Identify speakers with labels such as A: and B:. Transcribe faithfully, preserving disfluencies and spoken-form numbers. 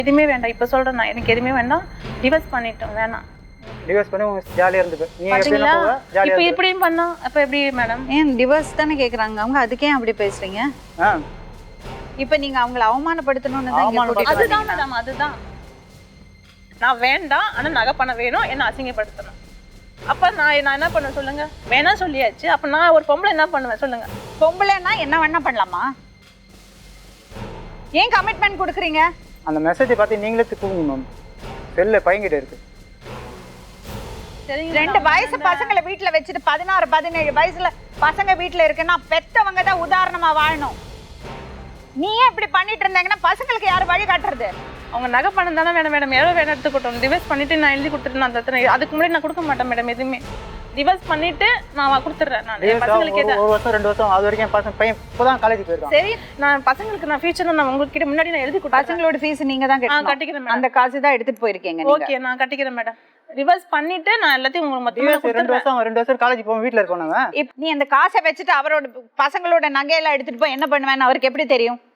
A: எதுவுமே வேண்டாம். இப்போ சொல்கிறேன் நான், எனக்கு எதுவுமே வேண்டாம். டிவோர்ஸ் பண்ணிட்டோம், வேணாம்.
B: டிவோர்ஸ் பண்ணி ஜாலியாக இருந்துக்கு.
A: பார்த்தீங்களா இப்போ இப்படியும் பண்ணா அப்போ எப்படி மேடம்?
C: ஏன் டிவோர்ஸ் தானே கேட்குறாங்க அவங்க, அதுக்கே அப்படி பேசுறீங்க?
B: ஆ
C: இப்போ நீங்க அவங்கள அவமானப்படுத்தணும்னு தான் இங்க கூட்டிட்டு
A: அதுதான்
C: வந்தீங்களா?
A: மேடம், அதுதான். நான் வேண்டாம், ஆனால் நகை பண்ண வேணும், என்ன அசிங்கப்படுத்தணும். அப்போ நான் நான் என்ன பண்ணுவேன் சொல்லுங்க? வேணாம் சொல்லியாச்சு. அப்போ நான் ஒரு பொம்பளை என்ன பண்ணுவேன் சொல்லுங்க?
C: பொம்பளைன்னா என்ன வேணா பண்ணலாமா? ஏன் கமிட்மெண்ட் கொடுக்குறீங்க?
B: அந்த மெசேஜை பார்த்து நீங்களே தூக்குங்க மேம். செல்ல பையன்கிட்ட இருக்கு.
C: ரெண்டு வயசு பசங்களை வீட்டுல வச்சுட்டு பதினாறு பதினேழு வயசுல பசங்க வீட்டுல இருக்குன்னா பெத்தவங்க தான் உதாரணமா வாழணும். நீயே இப்படி பண்ணிட்டு இருந்தாங்கன்னா பசங்களுக்கு யாரு வழி காட்டுறது?
A: அவங்க நகை பணம் தானே மேடம் மேடம் எவ்வளோ வேணும் எடுத்துக்கிட்டோம். டிவைஸ் பண்ணிட்டு நான் எழுதி கொடுத்துட்டு நான் தத்துறேன். அதுக்கு முன்னாடி நான் கொடுக்க மாட்டேன் மேடம் எதுவுமே. டிவைஸ் பண்ணிட்டு நான் கொடுத்துட்றேன். நான் என் பசங்களுக்கு எது
B: ஒரு வருஷம் ரெண்டு வருஷம் அது வரைக்கும் பசங்க பையன் இப்போதான் காலேஜ் போயிருக்கான்.
A: சரி, நான் பசங்களுக்கு நான் ஃபியூச்சர் நான் உங்ககிட்ட முன்னாடி நான் எழுதி கொடுத்தேன்.
C: பசங்களோட ஃபீஸ் நீங்க தான்
A: நான்
C: கட்டணும்.
A: கட்டிக்கிறேன் மேடம்.
C: அந்த காசு தான் எடுத்துட்டு போயிருக்கீங்க நீங்க.
A: ஓகே, நான் கட்டிக்கிறேன் மேடம். ரிவர்ஸ் பண்ணிட்டு நான் எல்லாத்தையும் உங்களுக்கு மொத்தமா
B: ரெண்டு
A: கொடுத்துறேன்.
B: வருஷம் ரெண்டு வருஷம் காலேஜ் போவோம், வீட்டில் இருக்கோம் நாங்கள்.
C: இப்ப நீ அந்த காசை வச்சுட்டு அவரோட பசங்களோட நகையெல்லாம் எடுத்துட்டு போய் என்ன பண்ணுவேன்னு அவருக்கு எப்படி தெரியும்?